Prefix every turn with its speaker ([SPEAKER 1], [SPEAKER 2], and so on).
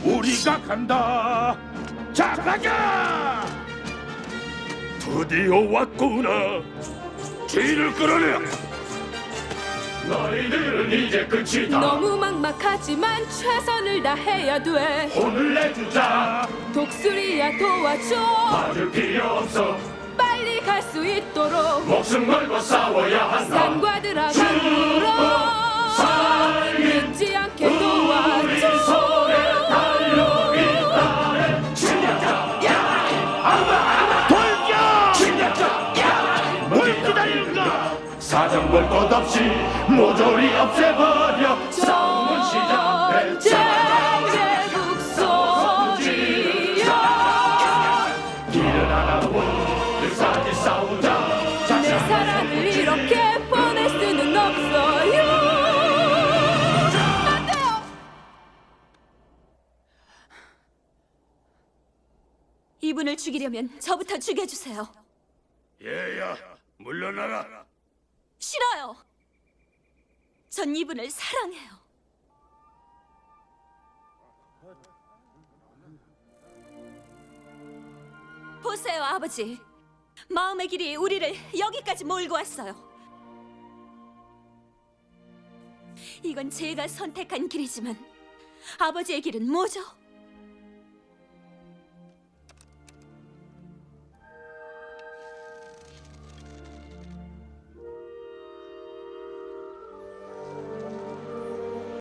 [SPEAKER 1] 우리가 간다. 자, 가자. 드디어 왔구나. 뒤를 끌어내. 너희들은 이제 끝이다.
[SPEAKER 2] 너무 막막하지만 최선을 다해야 돼.
[SPEAKER 1] 혼을 내주자.
[SPEAKER 2] 독수리야 도와줘.
[SPEAKER 1] 맞을 필요 없어.
[SPEAKER 2] 빨리 갈 수 있도록
[SPEAKER 1] 목숨 걸고 싸워야 한다.
[SPEAKER 2] 산과 들어간으로 잊지 않게
[SPEAKER 1] 우리
[SPEAKER 2] 도와줘.
[SPEAKER 1] 손에 달려 있다네. 침략자, 야! 돌격! 침략자, 야! 뭘 기다리는가? 사정 볼 것 없이 모조리 없애버려. 싸움은 시작됐자.
[SPEAKER 2] 전쟁의 북소리야.
[SPEAKER 1] 길은 하나뿐 끝까지 싸우자.
[SPEAKER 2] 내 사랑을 이렇게 보낼 수는 없어요. 안 돼요.
[SPEAKER 3] 이분을 죽이려면 저부터 죽여주세요.
[SPEAKER 1] 얘야, 물러나라.
[SPEAKER 3] 싫어요. 전 이분을 사랑해요. 보세요, 아버지. 마음의 길이 우리를 여기까지 몰고 왔어요. 이건 제가 선택한 길이지만 아버지의 길은 뭐죠?